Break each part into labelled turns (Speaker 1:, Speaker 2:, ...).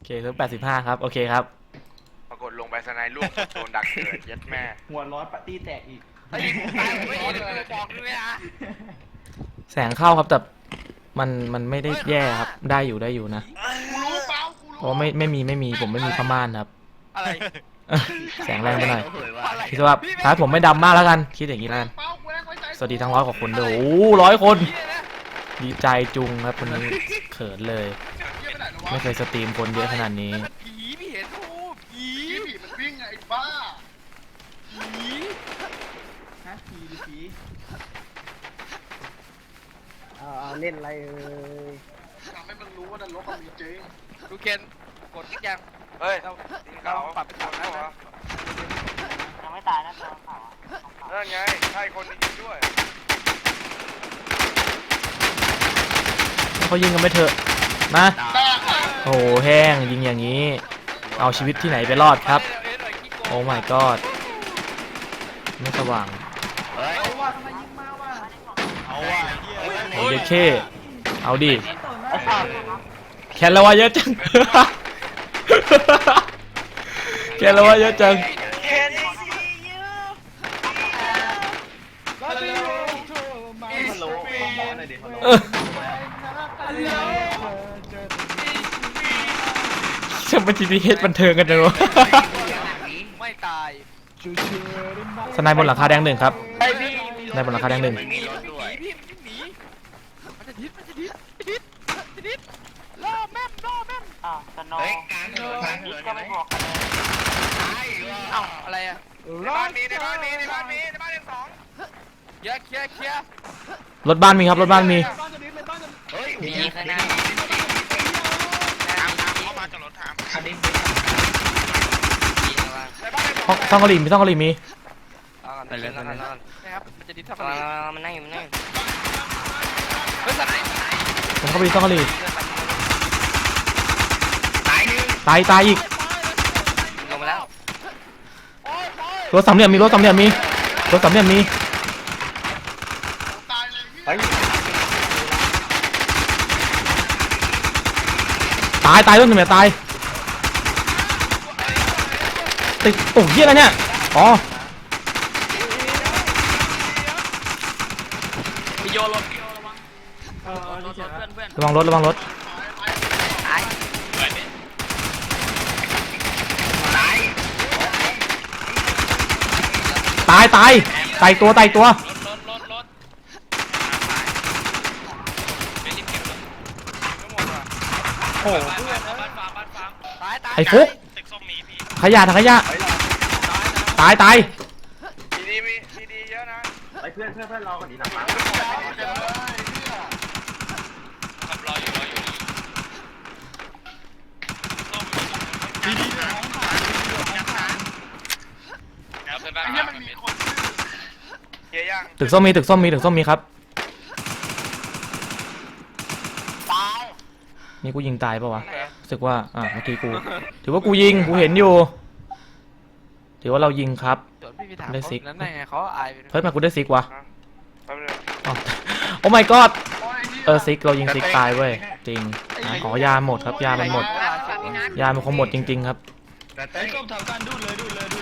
Speaker 1: เคเซิร์ฟ85ครับโอเคครับ
Speaker 2: ปรากฏลงไปสไนลูกโดนดักเกิดยัดแม่
Speaker 3: หัวร้อนปาร์ตี้แตกอีก
Speaker 2: ไอ้ตายไม่ดีเลยบอกด้วยนะ
Speaker 1: แสงเข้าครับแต่มันไม่ได้แย่ครับได้อยู่นะเพราะไม่มีผมไม่มีผ้าม่านครับ
Speaker 2: อะไร
Speaker 1: แสงแรงไปหน่อยคิดว่าท้ายผมไม่ดำมากแล้วกันคิดอย่างนี้แล้วกันสวัสดีทั้ง100 กว่าคนด้วยโอ้100 คนดีใจจุงครับคนนี้เขินเลยไม่เคยสตรีมคนเยอะขนาดนี้
Speaker 2: ผีพี่เห็นโอ้ผี
Speaker 4: มันวิ่งไงบ้า
Speaker 2: ผี
Speaker 3: ฮะผีหรือผี
Speaker 5: เล่นอะไร
Speaker 4: ทำให้มึงรู้ว่านรกมันมีจริง
Speaker 2: ดูเคนกดยังเฮ้ยเราปรับเป็นคนนะ
Speaker 5: ยังไม่ตายนะตัวขาว
Speaker 2: นั่นไงใช่คนยิงด้วย
Speaker 1: เขายิงกันไม่เถอะนะโอ้โหแห้งยิงอย่างนี้เอาชีวิตที่ไหนไปรอดครับโอ้ my god ไม่สว่าง
Speaker 3: เอาว่าทำไมยิงมาว่ะ
Speaker 1: โอ้ยเคเอาดิแคนแล้วว่าเยอะจังแคนแล้วว่าเยอะจังจะมา GPS บันเทิงกันจังวะ
Speaker 2: ไม่ตาย
Speaker 1: สไนบนหลังคาแดง1ครับสไนบนหลังคาแดง1
Speaker 2: พี่มันหนีมันจะดิดล่อแม่ม
Speaker 5: สโนว์ก็ไม่บอกกันเลย
Speaker 2: เอ้าอะไรอะในบ้านมี2เคลียร์
Speaker 1: รถบ้านมีครับรถบ้านมี
Speaker 5: มีข้างหน้า
Speaker 2: เข้ามาจอดรถถาม
Speaker 1: ซ่องกะหรี่มีซ่องกะหรี่มี
Speaker 2: ไปเลยนะครับมันจะดิดทำอะไร
Speaker 5: มันนั่งอยู่
Speaker 2: เฮ้ยสไน
Speaker 1: ผมเข้าไปซ่องกะหรี่ตายอีก
Speaker 5: ลงมาแล้ว
Speaker 1: รถสามเหลี่ยมมีรถสามเหลี่ยมมีตายรถหนึ่งตายติดโอ้ยอะไรเนี่ยอ๋อ
Speaker 2: พี่โยรถ
Speaker 1: ระวังรถตายตัว
Speaker 2: โอ้
Speaker 1: ไอ้ฟุกขยะถังขยะตาย
Speaker 2: มีดีเยอะนะ
Speaker 3: ไปเพื่อนรอก่อนดีนะ
Speaker 2: รออยู่
Speaker 1: ตึกส้มมีครับนี่กูยิงตายปะวะรู้สึกว่าเมื่อกี้กูถือว่ากูยิงกูเห็นอยู่ถือว่าเรายิงครับได้ซิกเฮ้ยมากูได้ซิกวะโอ้ my god ซิกเรายิงซิกตายเว้ยจริงขอยาหมดครับยามันหมดยามันคงหมดจริงๆครับ
Speaker 3: ไอ้ส้มทำการดูเลย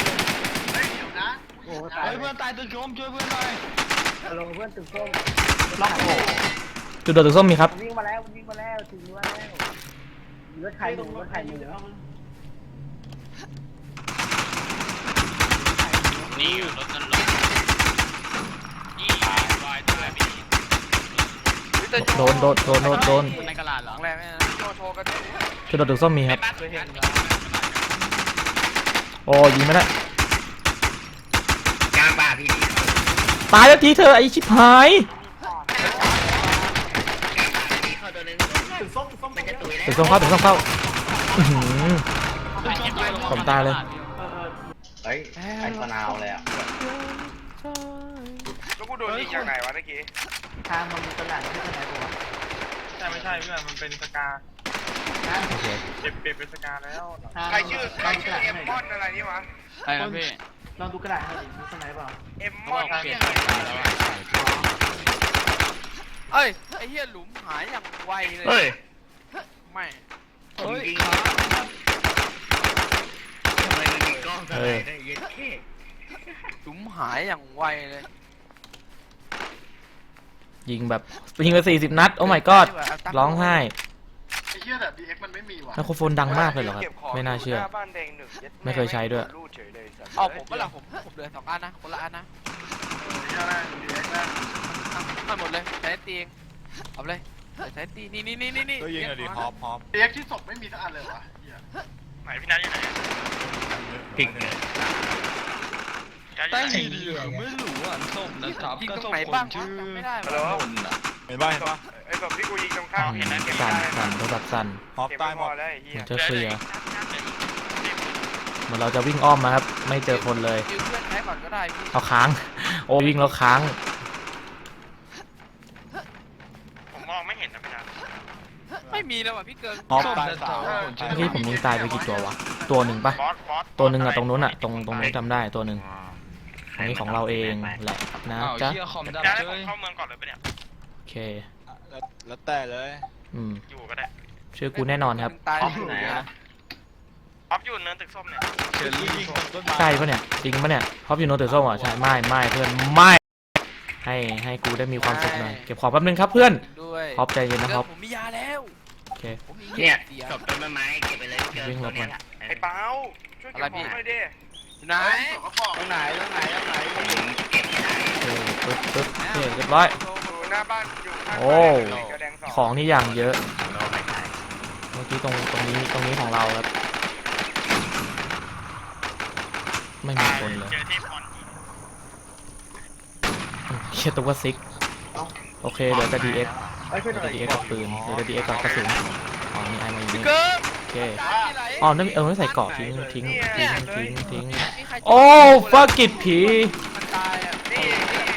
Speaker 3: โอ้ตายเพื่อนตายตึกส้มช่วยเพื่อนหน่อย
Speaker 5: ลงเพื่อนตึกส้ม
Speaker 3: ล็อกโอ้
Speaker 1: จุดโดดตึกส้มมีครับ
Speaker 5: วิ่งมาแล้วถึงแล้วรถไข่หนึ่ง
Speaker 2: นี่อยู่รถกันลง
Speaker 1: โดน
Speaker 2: ในกระดาษหรอแรงโชว์กัน
Speaker 1: จุดโดดตึกส้มมีครับโอ้ยิงไม่ได้
Speaker 5: กลางป่าพี่
Speaker 1: ตายแล้วทีเธอไอชิบหายตึกส้มเข้าผมตายเลย
Speaker 3: เฮ้ยไอ้มะนาวเลยอ่ะ
Speaker 2: แล้วกูโดนยิงอย่างไหนวะเมื่อกี้
Speaker 5: ทางมันมีตลาดที่ไหนกูวะ
Speaker 2: ไม่ใช่เพื่อนมันเป็นสกาเปลี่ยนเป็นสกาแล้วใครชื่อเอ็มมอนอะไรนี่วะ
Speaker 3: ใช่ครับพี่ลองดูกระดาษให้ดิมีสไนเปล่า
Speaker 2: เอ็มมอนเอ้ยไอ้เหี้ยหลุมหายอย่างไวเลยไม่
Speaker 3: เฮ้ย
Speaker 1: อ
Speaker 6: จุ๋มหายอย่างไวเลย
Speaker 1: ยิงแบบยิงไป40 นัด โอ้ my god ร้องไห้
Speaker 4: ไอ้เหี้ยแต่ DX มันไม่มีว่ะ
Speaker 1: ไมโครโฟนดังมากเลยเหรอครับ ไม่น่าเชื่อ ไม่เคยใช้ด้วย
Speaker 6: เอาผมก็ละผมเดิน2 อันนะคนละอันนะ
Speaker 4: เหี้ยอะไร DX นะ
Speaker 6: เอาหมดเลยใช้ตีเองเอาเลยใช้ตีนี่
Speaker 2: ตัวยิงอะดิฮอป
Speaker 4: DX ที่ศพไม่มีสักอันเลยวะเหี้ย
Speaker 2: ไหนพี่นัทอยู่ไหน
Speaker 7: ปิกเลย
Speaker 3: ใต้สีเหลืองไม่รู้อ่ะส้มนะครับ
Speaker 6: ยิง
Speaker 3: ก็
Speaker 6: ตรง
Speaker 3: ส้ม
Speaker 6: ไหน
Speaker 3: ค
Speaker 6: บ้าง
Speaker 3: นชื่อ
Speaker 6: จำไม่ได้
Speaker 3: นนท์อ่ะ
Speaker 2: เห็นป่ะเห็นป่ะ
Speaker 8: ไอ้ศพที่กูยิงตรงข้ามเห็นนะเก็บ
Speaker 1: สั่น
Speaker 8: ได้
Speaker 1: สั่นโทรศัพท์สั่น
Speaker 2: ฮอป
Speaker 8: เก็บ
Speaker 2: ตาย
Speaker 8: ไม่
Speaker 2: ห
Speaker 8: พ
Speaker 2: ม
Speaker 8: อ
Speaker 2: ด
Speaker 8: แล้วไอ้เหี้
Speaker 1: เห
Speaker 8: ย
Speaker 1: มือนจะเคลียร์เหมือนเราจะวิ่งอ้อมมาครับ ไม่เจอคนเลย
Speaker 6: ยืมเพื่อนใช้ก่อนก็ได้พี่
Speaker 1: เอาค้าง โอ้วิ่งแล้วค้าง
Speaker 8: ผมมองไม่เห็นนะพี่นัท
Speaker 6: ไม่มีแล้วอ่ะพี่เกิน
Speaker 2: ฮอป
Speaker 3: ส้ม
Speaker 2: ตาย
Speaker 3: แต่
Speaker 2: สา
Speaker 3: เทาม คนชื่อ
Speaker 1: เมื่อกี้ผมยิงตายไปกี่ตัววะ ตัวหนึ่งปะ
Speaker 8: บอส
Speaker 1: ตัวหนึ่งอะตรงนู้นอะตรงนู้นจำได้ตัวหนึ่งอันนี้ของเราเองแหละนะ
Speaker 3: อ้าว
Speaker 1: จ๊ะ
Speaker 3: เฮียคอมดับ
Speaker 8: จะให้
Speaker 3: เจ้
Speaker 8: ผม
Speaker 3: ย
Speaker 8: เข้าเมืองก่อนเลยปะเนี่ย
Speaker 1: โอเค
Speaker 2: แล้วแต่เลย
Speaker 8: อยู่ก็ได้
Speaker 1: ชื่อกูแน่นอนครับ
Speaker 6: ตาย
Speaker 3: ไหนอ่ะ
Speaker 8: ออฟอยู่เนินตึกส้มเนี่ย
Speaker 3: เชอรี่
Speaker 2: ยิงต้นไม้
Speaker 1: ใช่ปะเนี่ยจริงปะเนี่ยฮอปอยู่โนตึกส้มเหรอใช่ไม่เพื่อนไม่ให้กูได้มีความสุขหน่อยเก็บของแป๊บนึงครับเพื่อน
Speaker 6: ด้วย
Speaker 1: ฮอปใจเย็นนะฮอป
Speaker 6: ผมมียาแล้ว
Speaker 1: โอเค
Speaker 6: ผมมี
Speaker 7: เนี่ย
Speaker 6: เสีย
Speaker 7: ศพต้นไม้เก็บไปเลยเจอ
Speaker 1: วิ่งหล
Speaker 7: ตัว
Speaker 1: บ
Speaker 7: เนี้
Speaker 1: มัน
Speaker 7: ยแหละ
Speaker 8: ไอ้เปาช่วยเก็บของหน่อยดิ
Speaker 6: ไหน
Speaker 4: ไอ้ศพก็บอก
Speaker 3: ตรงไหน
Speaker 7: ผมเก็บไม่ได้
Speaker 1: โอเคปึ๊บโอเคเรียบร้อย
Speaker 8: อยู่หน้าบ้านอยู่ข้าง
Speaker 1: โอ้
Speaker 8: บ้านกระแดงสอง
Speaker 1: ของนี่อย่างเยอะ
Speaker 7: โลไม่ได้
Speaker 1: เมื่อกี้ตรงนี้ของเราครับไม่มีคนเลย
Speaker 8: เจอที่พร
Speaker 1: เชี่ยตัวซิกโอเคเดี๋ยวจะ DX เดี๋ยวจะ DX กับปืนเดี๋ยวจะ DX กับกระสุนอ๋อนี่ไอมาอยู่นี่
Speaker 6: เกิน
Speaker 1: โอเค
Speaker 6: ที่ไหน
Speaker 1: อ๋อนั่นไม่ใส่เกราะทิ้ง
Speaker 6: มีใคร
Speaker 1: โอ้ฟักกิดผี
Speaker 6: มันตายอ่ะ
Speaker 8: นี่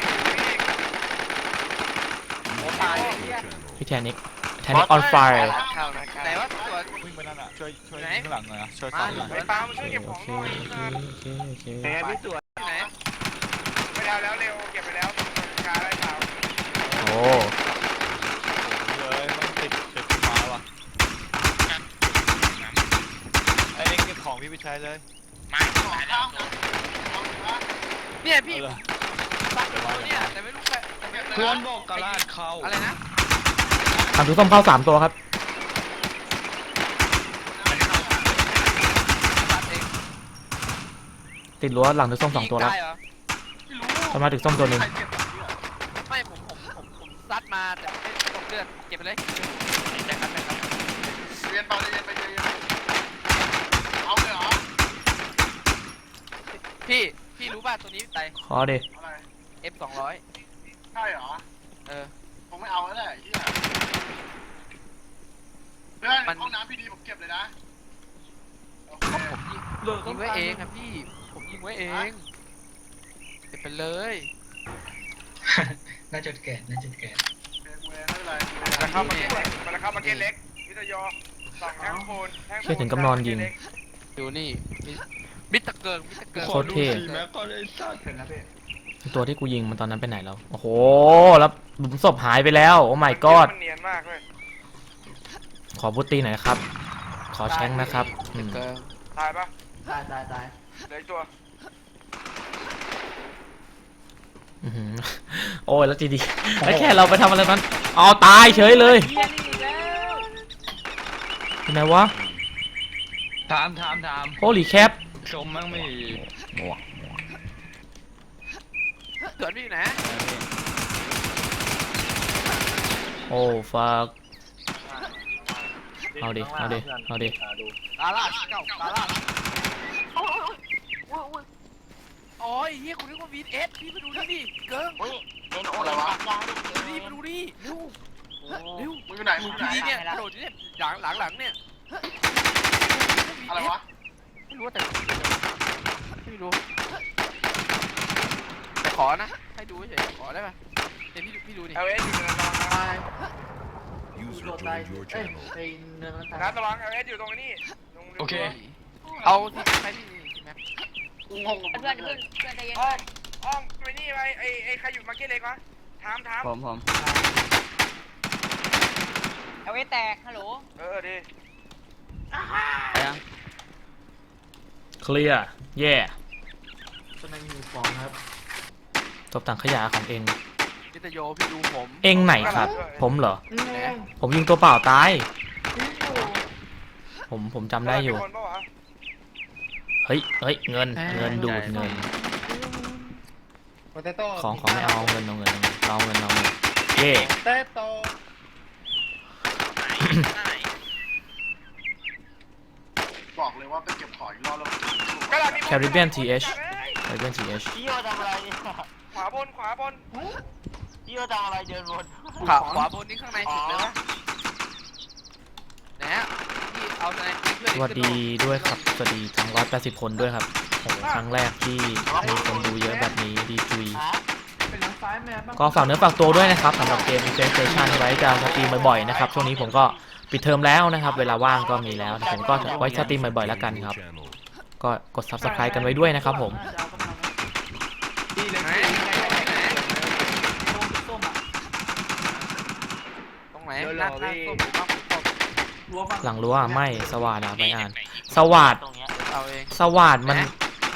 Speaker 6: ตาย
Speaker 1: พี่แทนิกออนไฟร์
Speaker 6: ไหนวะตัว
Speaker 2: วิ่งไปนั่นอ่ะช่วยข้างหลังหน่อยนะช่วยซ้อนหน่อย
Speaker 8: ไอ้เปามาช่วยเก็บ
Speaker 1: โอ
Speaker 8: ของ
Speaker 1: เค
Speaker 8: หน่อย
Speaker 1: โอเคโอเค
Speaker 7: แพ้พี่ตัว
Speaker 6: ที่ไหน
Speaker 8: ไม่ได้แล้วเร็วเก็บไปแล้วกาได้เปล่า
Speaker 1: โอ้
Speaker 2: เลยมันติดไม้ว่ะไอ้เอ็งเก็บของพี่ไปใช้เลย
Speaker 8: ไม่ของข้ามนะ
Speaker 6: เนี่ยพี่
Speaker 2: เอาเลย
Speaker 6: บัตรตัวเนี่ยแต่ไม่รู้ใครแต่ไม่รู้
Speaker 3: เพื่อนบอกกระลาดเข้า
Speaker 6: อะไรนะ
Speaker 1: ทำทุกต้มเข้า3 ตัวครับ
Speaker 6: บัตรเอง
Speaker 1: ติดรั้วหลังถึงส้ม2 ตัวแล้ว
Speaker 6: ได้เหรอ
Speaker 1: ทำไมาถึงส้มตัวหนึ่ง
Speaker 4: ใครเจ็บแบบนี้อ่ะ
Speaker 6: ไม่ผมซัดมาแต่ไม่ตกเลือดเก็บไปเลยได้ครับได้ครับ
Speaker 4: เรียนเปล่าใจเย็นไปใจเย็นเอาเลยเหรอ
Speaker 6: พี่รู้ป่ะตัวนี้ไต
Speaker 1: ขอดิ
Speaker 4: อะไร
Speaker 6: F200
Speaker 4: ใช่เหรอ
Speaker 6: เออ
Speaker 4: คงไม่เอาแล้วแหละไอ้เหี้ยเพื่อนห้องน้ำพี่ดีผมเก็บเลยนะโอเค
Speaker 6: ยิงไว้เองครับพี่ผมยิงไว้เองเก็บไปเลย
Speaker 7: น่าจะเกิด
Speaker 4: เก็บกูเองไม่เป็นไร
Speaker 8: มันเข้ามาเก็ตเล็กมันเข้ามาเก็ตเล็กวิทยอสองแท่งโคนแท่ง
Speaker 1: เชี่ยถึงกำนอนยิง
Speaker 6: ดูนี่มิตรเกิง
Speaker 1: โคตรเท่
Speaker 3: สีแม็กก็ได้สัตว์
Speaker 4: เสร็จแล้วพี่
Speaker 1: ตัวที่กูยิงมันตอนนั้นไปไหนแล้ว โอ้โห แล้วหลุมศพหายไปแล้ว โอ้ my god
Speaker 8: มันเนียนมากเลย
Speaker 1: ขอบุตตีหน่อยครับ ขอแช้งนะครับอืม
Speaker 6: เกิง
Speaker 8: ตายปะ
Speaker 3: ตาย
Speaker 8: เหลืออีกตัว
Speaker 1: อื้อหือโอ้ยแล้วจีดีแล้วแค่เราไปทำอะไรมันอ๋อตายเฉยเลยที่ไหนวะ
Speaker 3: ถาม
Speaker 1: โ o ลีแคป
Speaker 3: ชมมั่งไม่
Speaker 6: เกิดพี่อยู่ไหน
Speaker 1: โอ้ฟักเอาดิ
Speaker 6: ตาลาดเก่าตาลาดโอ้ยเฮียคุณนึกว่าวีเอสพี่มาดูนี่ดิเกิง
Speaker 4: อะไรวะ
Speaker 6: ดูดิมาดูดิเร็วเร็ว
Speaker 4: มึงอยู่ไหนมึงอยู่ไหน
Speaker 6: ทีเนี่ยกระโดดอยู่เนี่ยหลังเนี่ย
Speaker 4: อะไรวะ
Speaker 6: ไม่รู้แต่ไม่รู้แต่ขอนะให้ดูเฉยขอได้ป่ะเดี๋ยวพี่ดูดิ
Speaker 8: เอลเอสอยู่เนินระวัง
Speaker 6: ตาย
Speaker 9: User joined your channel.
Speaker 8: นะระวังเอลเอสอยู่ตรงนี้ตรง
Speaker 3: โอเค
Speaker 6: เอาที่ใช้ที่นี่ใช่ไหม
Speaker 4: กูงงกับ
Speaker 5: เพื่อนใจเย็น
Speaker 8: อ้อมไปนี่ไปไอ้ใครอยู่มาร์เก็ตเล็กวะถาม
Speaker 3: ผม
Speaker 5: เอาไว้แตกฮัลโหล
Speaker 8: ดี
Speaker 1: เคลียร์ เย่บถังขยะของเอง
Speaker 6: พิตโยพี่ดูผม
Speaker 1: เองไหนครับ ผมเหรอ ผมยิงตัวเปล่าตาย ผมจำได้อยู่
Speaker 8: คนปะวะ
Speaker 1: เฮ้ยเงินดูดเงิน
Speaker 5: โปเตโต้
Speaker 1: ของไม่เอาเงินเอาเงินเย่
Speaker 5: เตโต้
Speaker 4: บอกเลยว่าไปเก็บของอีกรอบแล้ว
Speaker 1: Caribbean TH Caribbean TH
Speaker 7: พี่โยทำอะไรเนี่ย
Speaker 8: ขวาบน
Speaker 7: พี่โยทำอะไรเดินวน
Speaker 6: ขวาบนนี่ข้างในสุดเลยวะนะฮะพี่เอาในเพื่อน
Speaker 1: สวัสดีด้วยครับ สวัสดีทั้ง180 คนด้วยครับโอ้โหครั้งแรกที่มีคนดูเยอะแบบนี้ดีจุย
Speaker 5: เป็นน้ำซ้ายแม่บ้าง
Speaker 1: ก็ฝากเนื้อฝากตัวด้วยนะครับสำหรับเกม Defense Station ไว้จะสตรีมบ่อยๆนะครับช่วงนี้ผมก็ปิดเทอมแล้วนะครับเวลาว่างก็มีแล้วแต่ผมก็ไว้สตรีมบ่อยๆแล้วกันครับ ก็กด Subscribe กันไว้ด้วยนะครับผม
Speaker 5: ดีเลย
Speaker 6: ไหน
Speaker 5: ส้มอ่ะ
Speaker 6: ตรงไหนหน้าส้มหรือว่าส้ม
Speaker 5: รั้วฝั่ง
Speaker 1: หลังรั้วไม่สวัสดไม่อ่าน สวัสด
Speaker 7: ตรงเนี้ย
Speaker 6: เอาเอง
Speaker 1: สวัสดมัน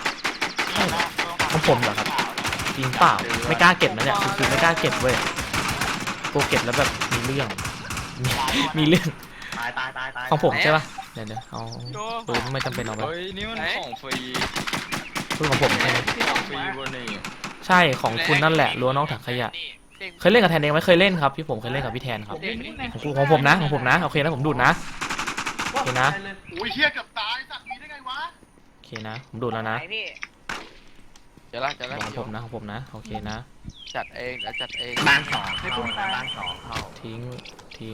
Speaker 1: ของผมเหรอครับจริงเปล่าไม่กล้าเก็บนะเนี่ยคือไม่กล้าเก็บเว้ยกลัวเก็บแล้วแบบมีเรื่องมีเรื่อง
Speaker 7: ตาย
Speaker 1: ของผมใช่ปะเดี๋ยวเอาปืนไม่จำเป็นเอาไป
Speaker 3: เฮ้ยนี่มันของฟรี
Speaker 1: ปืนของผมใช่ไหม
Speaker 3: ของฟรีบนนี่
Speaker 1: ใช่ของคุณนั่นแหละรั้วน้องถังขยะเคยเล่นกับแทนเองไหมเคยเล่นครับพี่ผมเคยเล่นกับพี่แทนครับของผมนะโอเคนะผมดูดนะโอเคนะ
Speaker 4: อุ้ยเฮียเกือบตายสัตว์มีได้ไงวะ
Speaker 1: โอเคนะผมดูดแล้วนะ
Speaker 6: เดี๋ยวละ
Speaker 1: ของผมนะโอเคนะ
Speaker 6: จัดเองเดี๋ยวจัดเอง
Speaker 7: บ้านสองเข้าบ้านสองเข้า
Speaker 1: ทิ้ง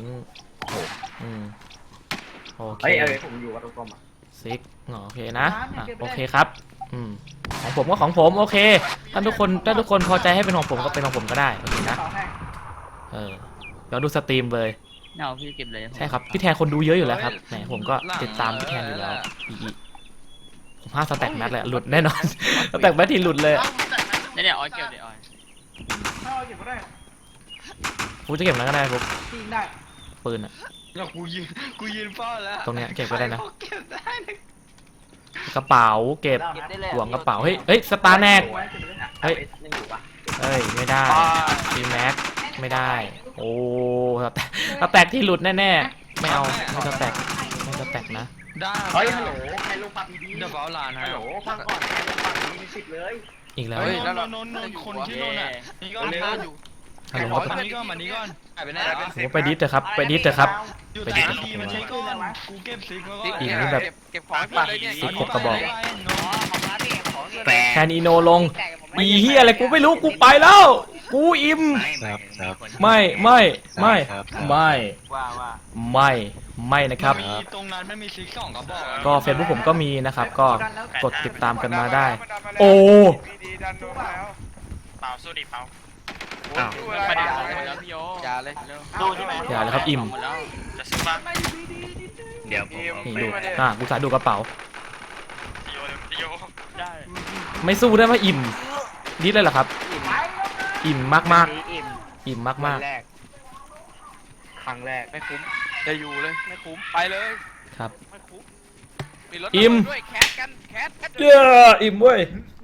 Speaker 1: โอเค
Speaker 5: ผมอยู่กับตรงๆอ่ะ
Speaker 1: ซิกโอเคนะโอเคครับของผมก็ของผมโอเคถ้าทุกคนพอใจให้เป็นของผมก็เป็นของผมก็ได้โอเคนะ
Speaker 5: ต่อให้
Speaker 1: เดี๋ยวดูสตรีมเลย
Speaker 7: เอาพี่เก็บเลย
Speaker 1: ใช่ครับพี่แทนคนดูเยอะอยู่แล้วครับแหมผมก็ติดตามพี่แทนอยู่แล้วอีผม5 สแต็กแมทเลยหลุดแน่นอน สแต็กแมทที่หลุดเลย
Speaker 4: เอ้ามึงแต่งไหน
Speaker 7: เนี่ยออยเก็บเดี๋ยวออย
Speaker 5: ถ้าเราเก็บก็ได้
Speaker 1: กูจะเก็บแล้วก็ได้ปุ๊บ
Speaker 5: ยิงได้
Speaker 1: ปืนอะ
Speaker 3: แล้วกูยืนเฝ้าแล้ว
Speaker 1: ตรงเนี้ยเก็บก็ได้นะ
Speaker 3: เก็บได้นะ
Speaker 1: กระเป๋าเก็บห่วงกระเป๋าเฮ้ยสตาร์แนก
Speaker 5: ไว้เก็บไว้นะ
Speaker 1: เฮ้ยไม่ได้ทีแม็กไม่ได้โอ้สแต็กที่หลุดแน่ๆไม่เอาไม่สแต็กนะ
Speaker 3: ได้
Speaker 5: เฮ้ยฮัลโหลใครลงปากดี
Speaker 3: เดี๋ยวเฝ้าหลานนะ
Speaker 5: ฮัลโหลฟังก่อนใครลงปากดีมีสิทธิ์เลย
Speaker 1: อีกแล้ว
Speaker 3: เฮ้ย
Speaker 6: แล้วเรา
Speaker 3: นนคนที่โดนอ่ะนี่ก็
Speaker 6: เร็วอยู่
Speaker 1: ฮัลโหล
Speaker 3: มานี้ก่อนหายไปไหนแล้ว
Speaker 1: ผมไปดิสเถอะครับไปดิสเถอะครับ
Speaker 3: อยู่ใต้ทีมันใช้ก้อนกูเก็บซิกแล้วก็
Speaker 1: อีกนี่แบบ
Speaker 6: เก็บของให้เพื่อนเลยเนี่ย
Speaker 1: สิบหกกระบอก
Speaker 7: แปด
Speaker 1: แทนอีโนลงมีเฮียอะไรกูไม่รู้กูไปแล้ว กูอิ่มไม่นะครับ
Speaker 3: มีตรงนั้นมันมีซิก2 กระบอก
Speaker 1: ก็ Facebook ผมก็มีนะครับ ก็กดติดตามกันมาได้ โอ้
Speaker 8: ดีดันโดนมาแล้ว
Speaker 2: เปล่าสู้ดิเปล่า
Speaker 8: ดูอะไร
Speaker 6: อย่าเลย
Speaker 7: ดูใช่ไหม
Speaker 1: อย่าเลยครับอิ่ม
Speaker 2: จะสู้บ้าง
Speaker 7: เดี๋ยวผม
Speaker 1: นี่ดูกูสายดูกระเป๋า
Speaker 2: โย
Speaker 3: ได้
Speaker 1: ไม่สู้ได้ไหมอิ่มดิสเลยเหรอครับ อิ่มมาก
Speaker 7: อิ่ม
Speaker 1: ๆอิ่มมาก
Speaker 8: ครั้งแรก
Speaker 6: ไม่คุ้มจะอยู่เลยไม่คุ้มไปเลย
Speaker 1: ๆครับ
Speaker 6: ไม่คุ้มมีรถ
Speaker 1: อิ่ม
Speaker 6: ด้วยแคสกันแคส
Speaker 1: เย้อิ่มเว้ย